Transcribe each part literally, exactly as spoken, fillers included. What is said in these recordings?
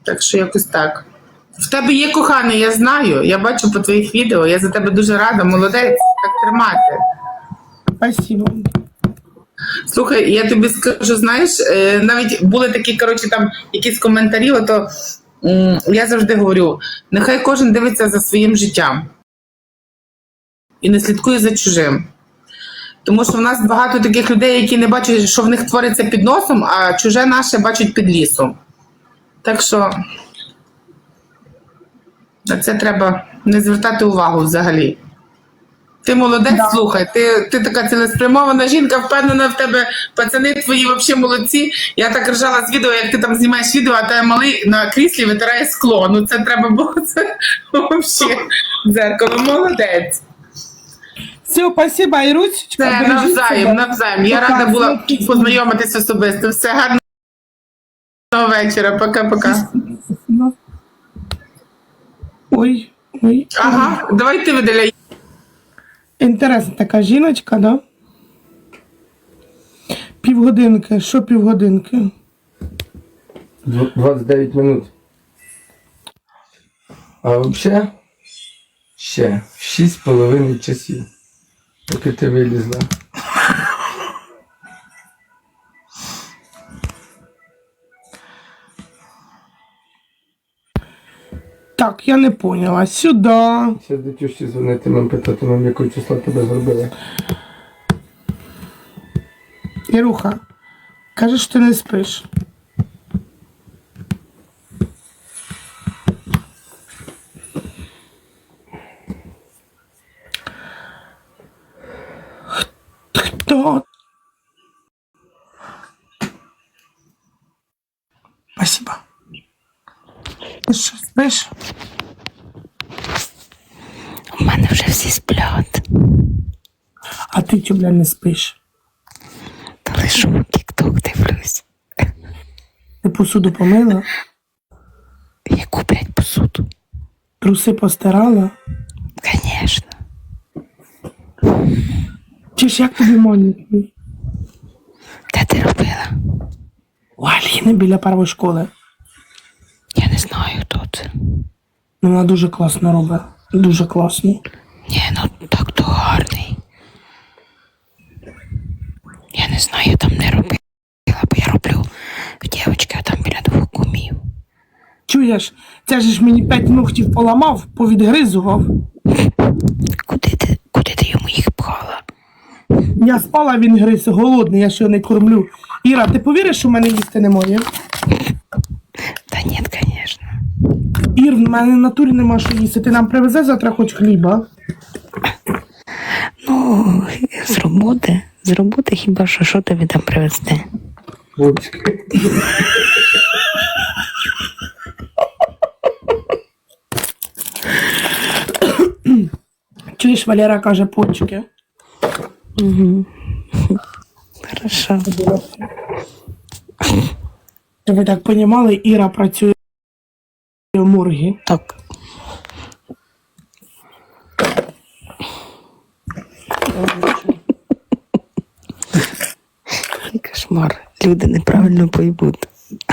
Так що якось так. В тебе є коханий, я знаю. Я бачу по твоїх відео. Я за тебе дуже рада. Молодець. Так тримати. Спасибо. Слухай, я тобі скажу, знаєш, навіть були такі, коротше, там якісь коментарі, то я завжди говорю, нехай кожен дивиться за своїм життям і не слідкує за чужим. Тому що в нас багато таких людей, які не бачать, що в них твориться під носом, а чуже наше бачать під лісом. Так що на це треба не звертати увагу взагалі. Ти молодець, да. Слухай, ти, ти така цілеспрямована жінка, впевнена в тебе, пацани твої взагалі молодці. Я так ржала з відео, як ти там знімаєш відео, а тебе малий на кріслі витирає скло. Ну це треба було, це взагалі дзеркало. Молодець. Все, спасибо, Ірусечка. Це навзаєм, навзаєм. Я рада була познайомитися особисто. Все, гарного вечора. Пока-пока. Ой, ой. Ага, давай ти видаляй. Інтересна така жіночка, да? Півгодинки. Що півгодинки? двадцять дев'ять минут. А взагалі ще шість з половиною часів, поки ти вилізла. Так, я не поняла. Сюди. Зараз до тюші дзвонити, нам питати, нам якого числа тебе зробили. Іруха, кажеш, що ти не спиш. Хто? Спасибо. Ти що, спиш? У мене вже всі сплять. А ти чому, бля, не спиш? Та лише в тік-ток дивлюсь. Ти посуду помила? Яку, блядь, посуду? Труси постирала? Конечно. Чи ж як тобі монік? Де ти робила? У Аліни біля першої школи. Я не знаю, хто це. Ну, вона дуже класно робить. Дуже класно. Ні, ну так то гарний. Я не знаю, я там не робила, бо я роблю в дівчинки, а там біля двох кумів. Чуєш, це ж мені п'ять ногтів поламав, повідгризував. Куди ти, куди ти йому їх пхала? Я спала, він гриз, голодний, я ще не кормлю. Іра, ти повіриш, що в мене їсти немає? Та ні, звісно. Ір, в мене в натурі нема що їсти. Ти нам привезе завтра хоч хліба? Ну, з роботи. З роботи хіба що, що тобі там привезти? Вовчки. Чуєш, Валера каже, почки. Угу. Хорошо. Ви так понімали, Іра працює в моргі. Так. Кошмар. Люди неправильно поймуть.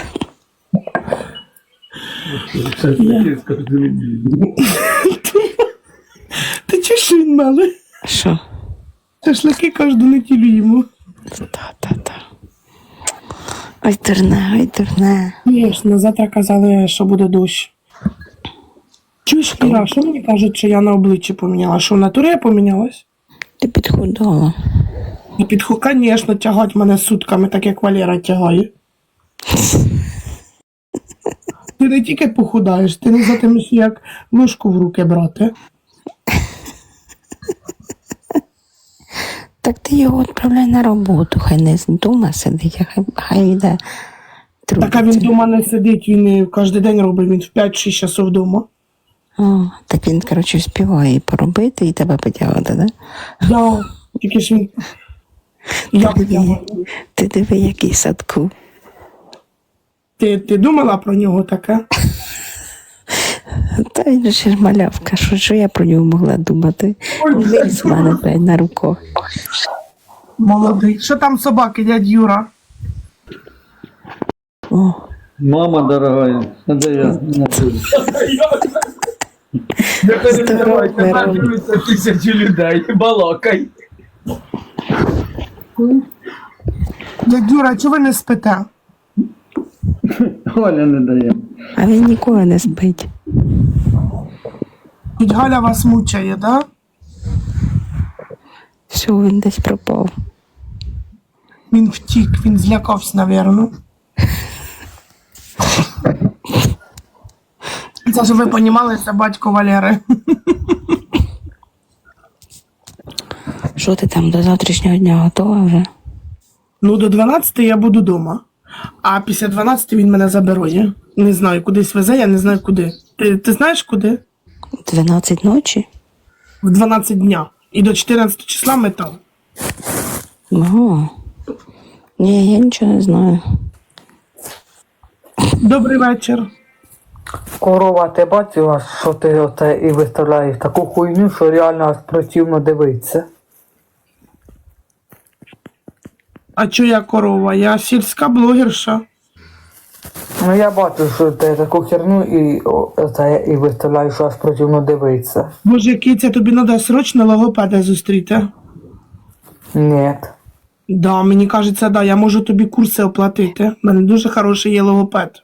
Ти чуєш, що він мали? Що? Шашлики кожну неділю їмо. Та-та-та. Ой, дурне, ой, дурне. Звісно, завтра казали, що буде дощ. Чуєш, Іра, що мені кажуть, що я на обличчі поміняла? Що в натурі я помінялась? Ти підхудала. І підху, звісно, тягать мене сутками, так як Валера тягає. Ти не тільки похудаєш, ти не затимеш, як ложку в руки брати. Так ти його відправляй на роботу, хай не вдома сидить, а хай, хай йде трудиться. Так, а він вдома не сидить, він кожен день робить, він в п'ять-шість часов вдома. О, так він, коротше, співає і поробити, і тебе потягати, да? Да, тільки ж він... Ти Як диви, я? ти диви, який садку. Ти, ти думала про нього таке? Та він же ж малявка, що, що я про нього могла думати? Виріс в мене, блядь, на руках. Молодий. Що там собаки, дядь Юра? О, Мама дорогая, это я. Не переживай, тебе Здорово. дивиться тисячі людей, балакай. Дядь Юра, чого ви не спите? Оля не дає. А він ніколи не спить. Тіть Галя вас мучає, да? Все, він десь пропав. Він втік, він злякався, напевно. Це ж ви понімали, це батько Валери. Що ти там до завтрашнього дня готова вже? Ну, до дванадцятої я буду вдома. А після дванадцятої він мене забере. Не знаю, кудись везе, я не знаю куди. Ти, ти знаєш куди? дванадцять ночі? В дванадцять дня. І до чотирнадцятого числа ми там. Ого. Ні, я нічого не знаю. Добрий вечір. Корова, ти бачила, що ти оце і виставляєш таку хуйню, що реально аж противно дивитися. А чо я корова? Я сільська блогерша. Ну я бачу, що ти таку херню і о, оце і виставляєш, що аж противно дивитися. Боже, киця, тобі треба срочно логопеда зустріти. Ні. Да, мені кажеться, да, я можу тобі курси оплатити. У мене дуже хороший є логопед.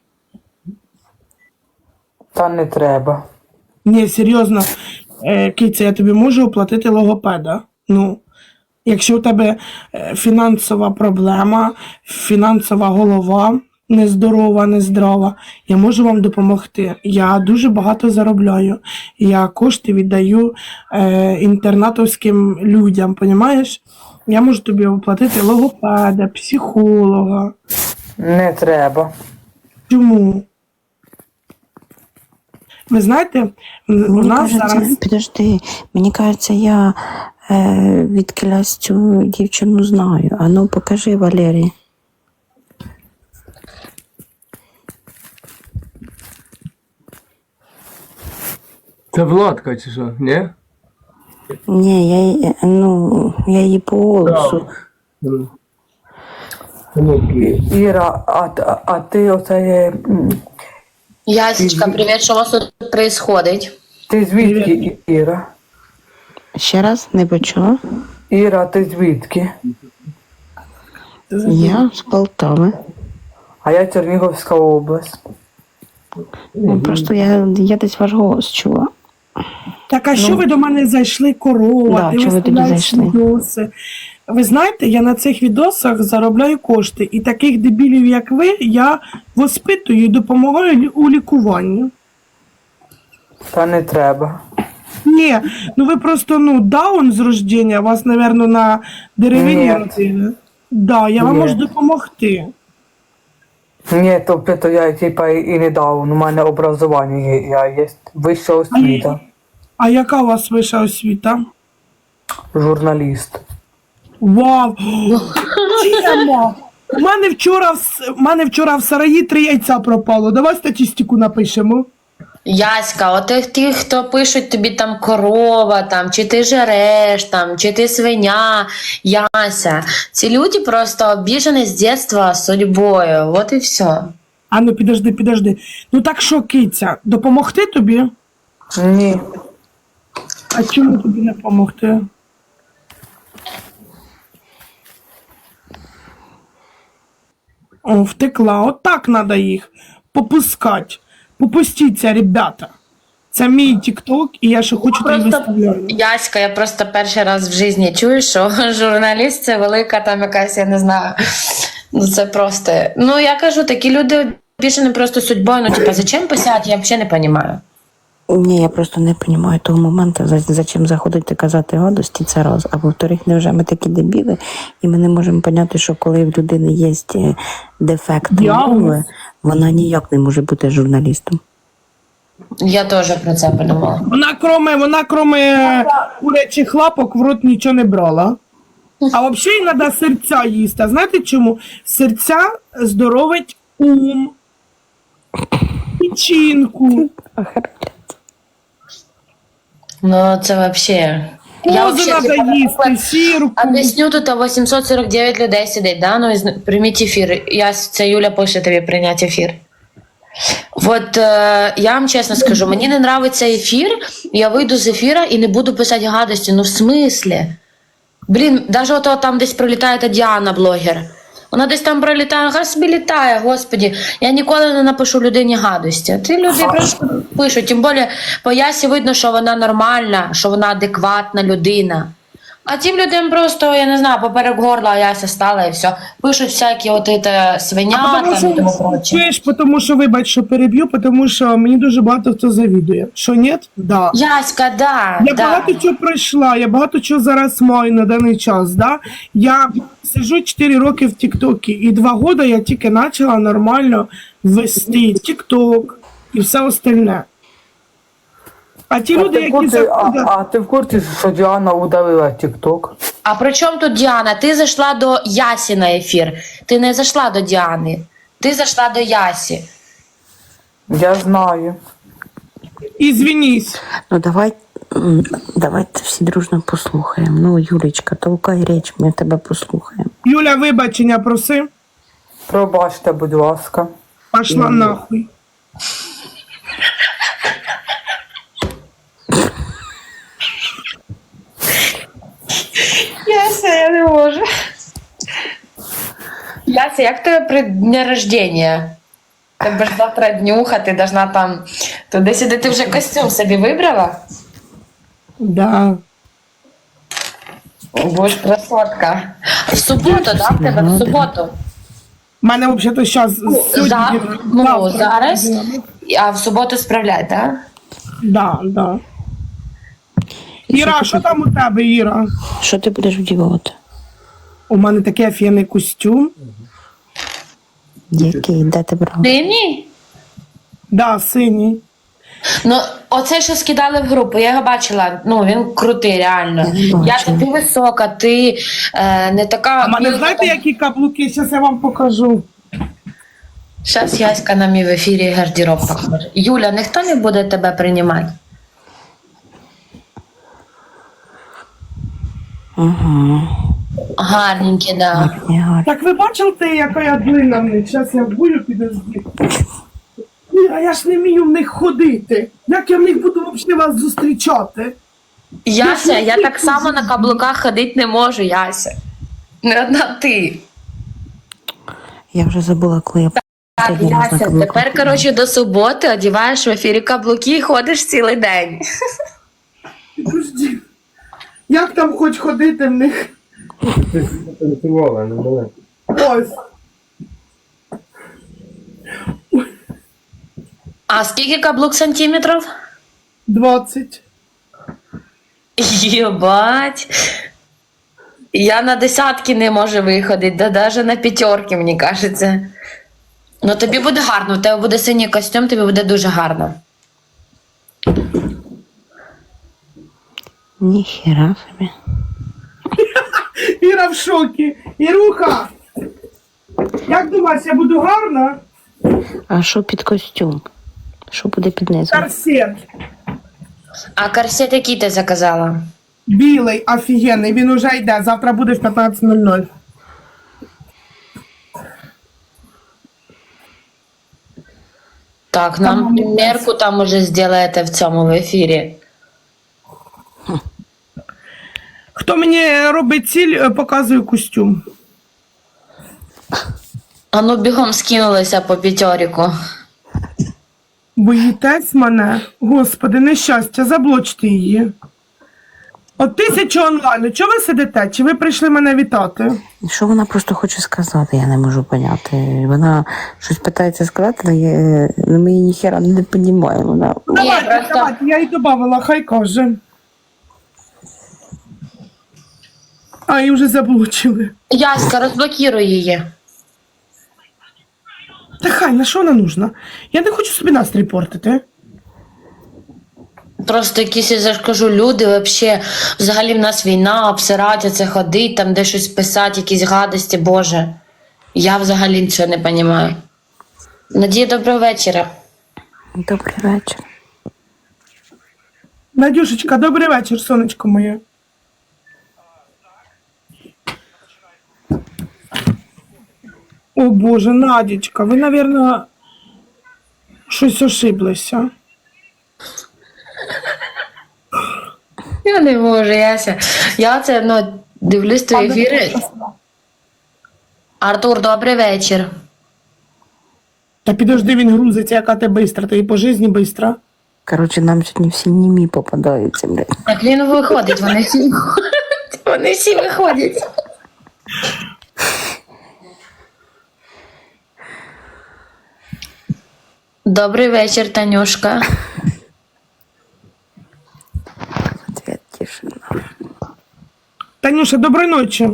Та не треба. Ні, серйозно, е, киця, я тобі можу оплатити логопеда. Ну, якщо у тебе е, фінансова проблема, фінансова голова нездорова, нездрава, я можу вам допомогти. Я дуже багато заробляю. Я кошти віддаю е, інтернатовським людям, понімаєш? Я можу тобі оплатити логопеда, психолога. Не треба. Чому? Ви знаєте, у Мені нас кажеться, зараз... підожди, мені кажеться, я е, відкилясь цю дівчину знаю. А ну покажи, Валерій. Це Владка чи що, ні? Ні, я, її- ну, я її по голосу. Іра, а, а, а ти оце є... м, Ясечка, привет, що у вас тут происходить? Ти звідки, І- Іра? Ще раз не почула. Іра, ти звідки? Я з Полтави. А я Чернігівська область. Ну, просто я, я десь ваш голос чула. Так, а що ви до мене зайшли, корова? Да, ти чого ви туди виставляєш зайшли? відоси. Ви знаєте, я на цих відосах заробляю кошти. І таких дебілів, як ви, я воспитую і допомагаю лі- у лікуванні. Та не треба. Ні, ну ви просто, ну, даун з рождення, вас, напевно, на деревині Ні. родили. Да, я вам Ні. можу допомогти. Ні, то, то я типа і не дав, у мене образування є, я є вища освіта, А яка у вас вища освіта? журналіст. Вау! Тема! У мене вчора, в с- у мене вчора в сараї три яйця пропало. Давай статистику напишемо. Яська, от тих, тих, хто пишуть тобі там корова, там, чи ти жереш, там, чи ти свиня, Яся. Ці люди просто обіжені з дитинства судьбою. Вот і все. А ну підожди, підожди. Ну так що, киця, допомогти тобі? Ні. А чому тобі не допомогти? О, втекла. Отак треба їх попускати. Попустіться, ребята. Це мій тікток, і я ще хочу тобі Просто виставляю. Яська, я просто перший раз в житті чую, що журналіст це велика там якась, я не знаю. Ну це просто. Ну я кажу, такі люди обіжені просто судьбою. Ну, типа, зачем писати, я взагалі не розумію. Ні, я просто не розумію того моменту, за, за чим заходити казати гадості, це раз. А во-вторых, невже ми такі дебіли, і ми не можемо поняти, що коли в людини є е, дефект Діагноз. мови, вона ніяк не може бути журналістом. Я теж про це подумала. Вона кроме, вона кроме курячих лапок в рот нічого не брала. А взагалі їй треба серця їсти. А знаєте чому? Серця здоровить ум, печінку. Ну це взагалі. Я Козу вообще, треба типа, їсти, сірку. об'ясню, тут вісімсот сорок дев'ять людей сидить, да? Ну, із- прийміть ефір. Я, це Юля пише тобі прийняти ефір. От е, я вам чесно скажу, мені не нравиться ефір, я вийду з ефіра і не буду писати гадості. Ну в смислі? Блін, навіть ото там десь пролітає та Діана, блогер. Вона десь там пролітає, хай собі літає, господі. Я ніколи не напишу людині гадості. Ті люди просто пишуть. Тим більше по Ясі видно, що вона нормальна, що вона адекватна людина. А тим людям просто, я не знаю, поперек горла Яся стала і все. Пишуть всякі от це свиня Тому там і тому що, проче. чуєш, тому що, вибач, що переб'ю, тому що мені дуже багато хто завідує. Що, ні? Да. Яська, да, Я да. багато чого пройшла, я багато чого зараз маю на даний час. Да? Я сиджу чотири роки в Тіктокі, і два роки я тільки почала нормально вести Тікток і все остальне. А ті А люди, ти, в які курсі, а, заходять... а ти в курсі, що Діана удалила TikTok? А при чому тут Діана? Ти зайшла до Ясі на ефір. Ти не зайшла до Діани. Ти зайшла до Ясі. Я знаю. Ізвінись. Ну давай, м, давайте всі дружно послухаємо. Ну, Юлечка, толкай річ, ми тебе послухаємо. Юля, вибачення проси, Пробачте, будь ласка. пошла нахуй. Яся, я не можу. Яся, як тебе при дні рождення? Тебе ж завтра днюха, ти должна там туди-сюди. Ти вже костюм собі вибрала? Да. Будеш красотка. В суботу, да, в тебе? В суботу? У мене взагалі зараз За, ну, зараз, а в суботу справляй, так? Да, да. Іра, що там у тебе, Іра? Що ти будеш вдівати? У мене такий офігенний костюм. Який? Де ти брав? Синій? Да, синій. Ну, оце, що скидали в групу, я його бачила. Ну, він крутий, реально. Я не бачила. Яся, ти висока, ти е, не така. А в мене знаєте, які каблуки? Зараз я вам покажу. Зараз Яська нам і в ефірі гардероб покаже. Юля, ніхто не буде тебе приймати? Угу. Гарненькі, да. Так ви бачили, яка я длинна в них? Зараз я вбую, підожди. Іра, я ж не вмію в них ходити. Як я в них буду взагалі вас зустрічати? Яся, я так само на каблуках ходити не можу, Яся. Не одна ти. Я вже забула, коли я Так, останній раз на Яся, каблуках тепер, ходила. коротше, до суботи одіваєш в ефірі каблуки і ходиш цілий день. Підожди. Як там хоч ходити в них? Ти танцювала, не була. Ось. А скільки каблук сантиметрів? двадцять. Єбать. Я на десятки не можу виходити, да навіть на п'ятерки, мені кажеться. Ну тобі буде гарно, у тебе буде синій костюм, тобі буде дуже гарно. Ніхера собі. Іра в шокі. Іруха! Як думаєш, я буду гарна? А що під костюм? Що буде під низом? Корсет. А корсет який ти заказала? Білий, офігенний. Він уже йде. Завтра буде в п'ятнадцять нуль нуль. Так, нам примірку там уже зробите в цьому в ефірі. Хто мені робить ціль, е, показує костюм. А ну бігом скинулися по п'ятеріку. Боїтесь мене? Господи, нещастя, заблочте її. От тисяча онлайн. Чого ви сидите? Чи ви прийшли мене вітати? Що вона просто хоче сказати, я не можу поняти. Вона щось питається сказати, але я, ну, ми її ніхера не розуміємо. Вона... Давайте, просто- давайте, я їй додавала, хай каже. А, її вже заблочили. Яська, розблокіруй її. Та хай, на що вона нужна? Я не хочу собі настрій портити. Просто якісь, я ж кажу, люди вообще, взагалі в нас війна, обсирати це ходить, там де щось писати, якісь гадості, Боже. Я взагалі нічого не розумію. Надія, доброго вечора. Добрий вечір. Надюшечка, добрий вечір, сонечко моє. О Боже, Надічка, ви, напевно, щось ошиблися. Я не можу, Яся. Я це, ну, дивлюсь твої ефіри. Артур, добрий вечір. Та підожди, він грузиться, яка ти бистра, ти і по житті бистра. Коротше, нам сьогодні всі німі попадаються, блядь. Так він виходить, вони всі виходять. Вони всі виходять. Добрий вечір, Танюшка. Ответ тишина. Танюша, доброї ночі.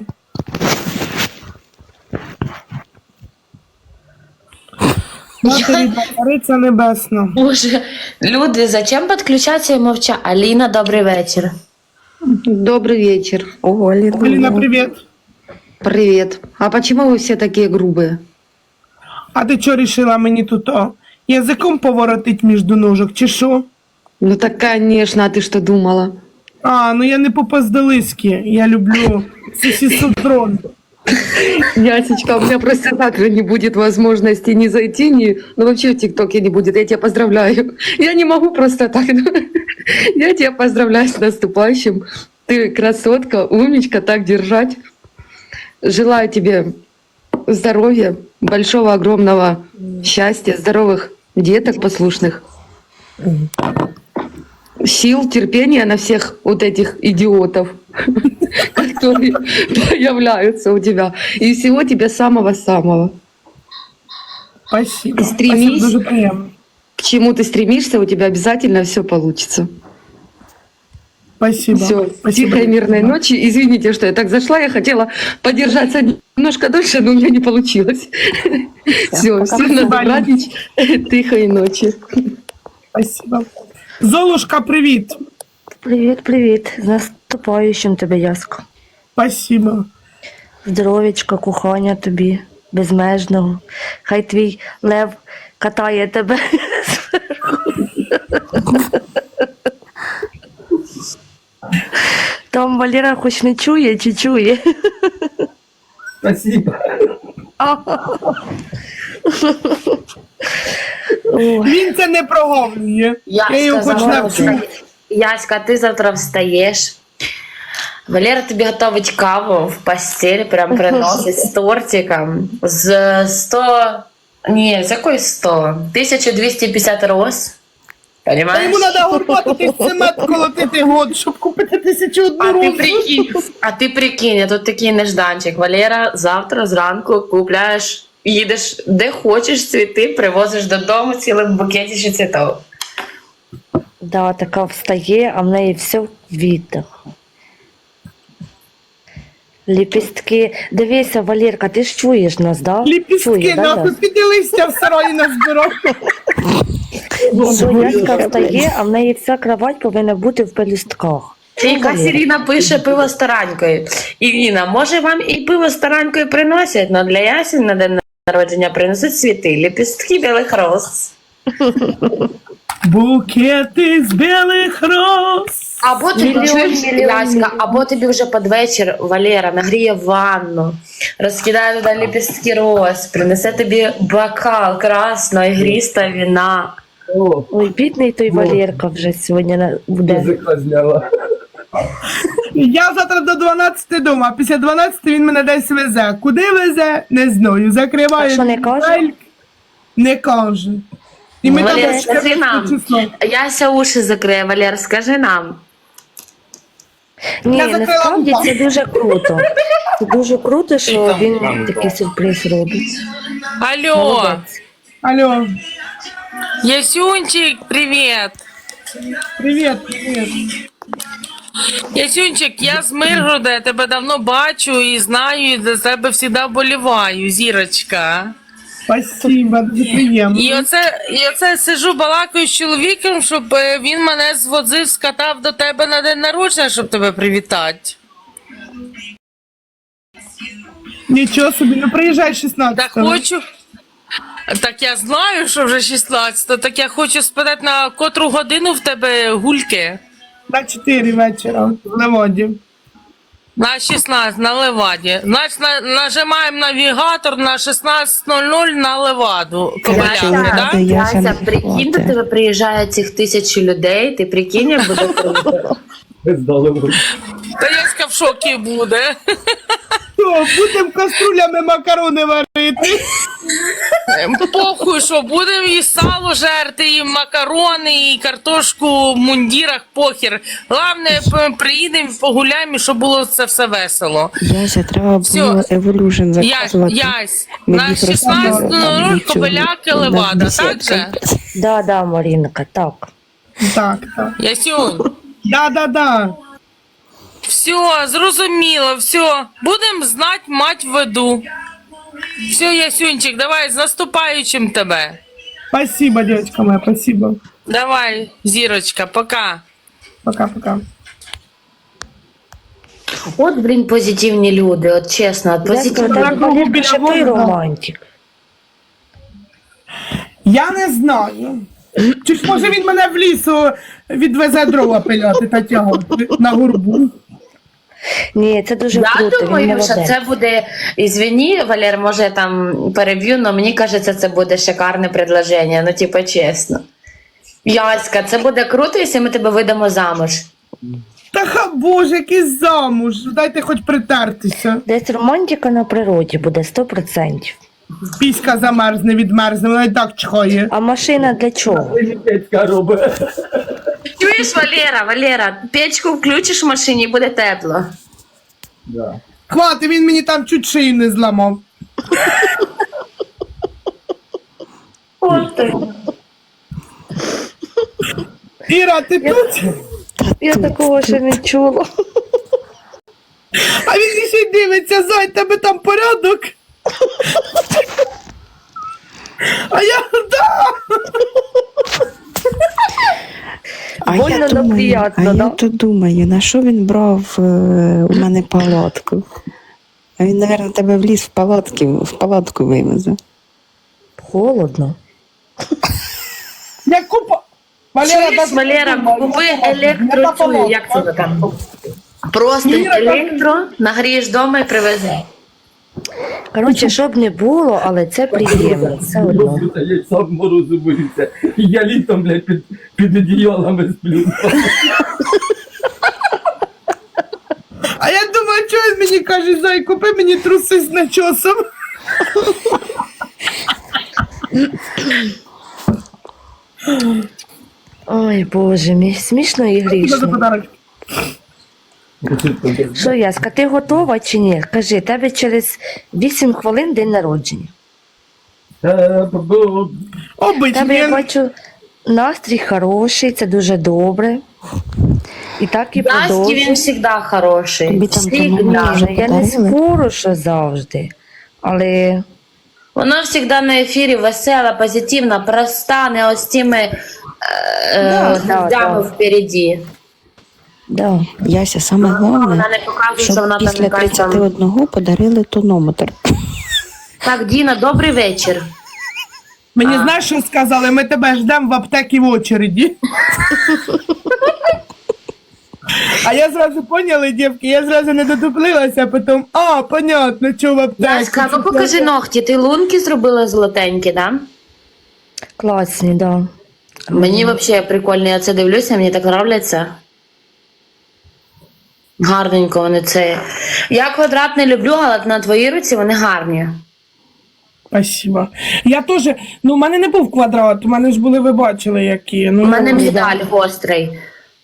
Матері Цариця Небесна. Боже, люди, зачем підключатися і мовчати? Аліна, добрий вечір. Добрый вечер. О, Аліна. Аліна, привіт. Привет. А почему вы все такие грубые? А ти чого рішила мені тут о, язиком поворотить між ножок, чи що? Ну так, конечно, а ты что думала? А, ну я не по-поздалиськи, я люблю сосисодрон. Ясечка, у меня просто так же не будет возможности ни зайти, ни... Ну вообще в ТикТоке не будет, я тебя поздравляю. Я не могу просто так. Я тебя поздравляю с наступающим. Ты красотка, умничка, так держать. Желаю тебе здоровья, большого, огромного счастья, здоровых деток послушных, сил, терпения на всех вот этих идиотов, которые появляются у тебя. И всего тебе самого-самого. Спасибо. Стремись. Спасибо, дуже приємно. К чему ты стремишься, у тебя обязательно все получится. Спасибо. Все, Спасибо. тихой мирной ночи. Извините, что я так зашла, я хотела подержаться немножко дольше, но у меня не получилось. Все, всем на добраніч, тихой ночи. Спасибо. Золушка, привіт. Привіт, привіт. З наступаючим тебе, Яско. Спасибо. Здоров'ячка, кохання тобі, безмежного. Хай твій лев катає тебе. Там Валера хоч не чує, чи чує? Спасибо. Він це не проговлює. Я Я його хоч сказала, навчу. що- Яська, ти завтра встаєш. Валера тобі готовить каву в постель, прям приносить з тортиком. З сто... Ні, з якої сто? тисяча двісті п'ятдесят роз. Та Понимаєш? йому треба горбатити цемент колотити год, щоб купити тисячу одну А ти розу. прикинь, а ти прикинь, тут такий нежданчик. Валера, завтра зранку купляєш, їдеш де хочеш цвіти, привозиш додому цілим букетом цвітів. Да, така встає, а в неї все в квітах. Ліпістки. Дивися, Валерка, ти ж чуєш нас, да? Ліпістки, Чує, да, нахуй, Яс? піди листя в сараї назбирав. Що Яська встає, а в неї вся кровать повинна бути в пелюстках. Це якась Ірина пише пиво з таранькою. Ірина, може вам і пиво з таранькою приносять, але для Ясі на день народження принесуть цвіти, ліпістки білих роз. Букети з білих роз. Або тобі Мільйон, чуєш, мільйон, Яська, мільйон. або тобі вже під вечір Валера нагріє ванну, розкидає туди ліпістки роз, принесе тобі бокал красного ігристого вина. О, Ой, бідний той Валерка вже сьогодні на- буде. язика зняла. Я завтра до дванадцяти дома, а після дванадцяти він мене десь везе. Куди везе, не знаю. Закриває. А що, не каже? двері, не каже. І ми Валер, там скажи нам. число. Яся уші закриє, Валер, скажи нам. Ні, Я закрила насправді вуха. це дуже круто. Це дуже круто, що він такий сюрприз робить. Алло, Молодець. Алло, Ясюнчик, привет. привіт, привіт. Ясюнчик, я з Миргорода, я тебе давно бачу і знаю, і за тебе завжди вболіваю, зірочка. Спасибо, дуже приємно. І оце, і оце сижу, балакаю з чоловіком, щоб е, він мене звозив, скатав до тебе на день народження, щоб тебе привітати. Нічого собі, ну приїжджай Так шістнадцятого. хочу. Так я знаю, що вже шістнадцяте, так я хочу спитати, на котру годину в тебе гульки. На чотири вечора в Леводі. На шістнадцять на Леваді. Значить, на, нажимаємо навігатор на шістнадцять нуль нуль на Леваду. Кобиляки, Яся, да? я ще не Яся, прикинь, до проти. тебе приїжджає цих тисячі людей, ти прикинь, як буде круто. Та Яська в шокі буде. Що, будемо каструлями макарони варити? Похуй, що будемо і сало жерти, і макарони, і картошку в мундірах, похер. Головне, п- приїдемо, погуляємо, і щоб було це все весело. Яся, треба Всьо. було Evolution Ясь, заказувати. ясь, Ми на їх шістнадцять нуль нуль розставили, Кобиляки, там Левада, бесідка. так же? Да, да, Марінка, так. Так, так. Ясюнь, Да-да-да. все, зрозуміло, все. Будемо знати мать веду. Все, Ясюнчик, давай, з наступаючим тебе. Спасибо, девочка моя, спасибо. Давай, зірочка, пока. Пока-пока. От, блін, позитивні люди, от чесно, от позитивні. тебе Валерка, що ти романтик. Я не знаю. Чи ж може він мене в лісу відвезе дрова пиляти та тягати на горбу? Ні, це дуже Я круто, він думаю, що молодець. це буде, ізвини, Валер, може я там переб'ю, але мені кажеться, це буде шикарне предложення, ну типу чесно. Яська, це буде круто, якщо ми тебе видамо замуж. Та ха боже, який замуж. Дайте хоч притертися. Десь романтика на природі буде сто відсотків. Піська замерзне, відмерзне, вона і так чхає. А машина для чого? Чуєш, Валера, Валера, печку включиш в машині і буде тепло. Хвати, він мені там чуть шию не зламав. От ти. Іра, ти тут? Я такого ще не чула. А він ще й дивиться, зай, тебе там порядок. А я, да. А Больно, я но думаю, приятно, а да? я то думаю, на що він брав е, у мене палатку? А він, мабуть, тебе в ліс в палатки, в палатку вивезе. Холодно. Я купа. Чуєш, Валера, купи електро, цю, як це там? Просто електро, нагрієш вдома і привези. Коротше, щоб не було, але це приємно. Все одно. Я сам морозу боюся. І я літом, блядь, під, під одіялами сплю. А я думаю, що він мені каже, зай, купи мені труси з начосом. Ой, Боже мій, смішно і Що за грішно. подарок? Що, Яська, ти готова чи ні? Кажи, тебе через вісім хвилин день народження. Обичний. Тебе, я я- бачу, настрій хороший, це дуже добре. І так і Яськи він продовжуй. завжди хороший. Тобі там Всігда. тому вже Я не подарили? спору, що завжди. Але Вона завжди на ефірі весела, позитивна, проста, не ось тими е, Да, да, гвоздями да. впереді. Да. Яся, саме головне, Вона не показує, що щоб вона там після якась тридцяти там. одного подарили тонометр. Так, Діна, добрий вечір. Мені знаєш, що сказали? Ми тебе ждемо в аптекі в очереді. А я зразу поняла, дівки, я зразу не дотуплилася, а потім, а, понятно, що в аптеці. Яська, ну покажи ногті. Ти лунки зробила золотенькі, да? класні, так. Да. Мені взагалі прикольно, я це дивлюся, мені так нравляться. Гарненько вони це. Я квадрат не люблю, але на твоїй руці вони гарні. Спасибо. Я теж, ну, в мене не був квадрат, у мене ж були, ви бачили, які. Ну, У мене медаль гострий.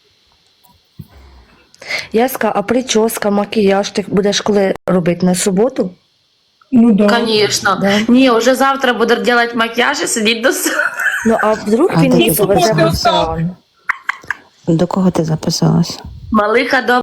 Яська, а прическа, макіяж ти будеш коли робити на суботу? ну да. Звісно. Да. Ні, вже завтра буду робити макіяж і сидіти до с- Ну, а вдруг А він ти її суботу повезе в остав? ресторан? До кого ти записалась? Малиха до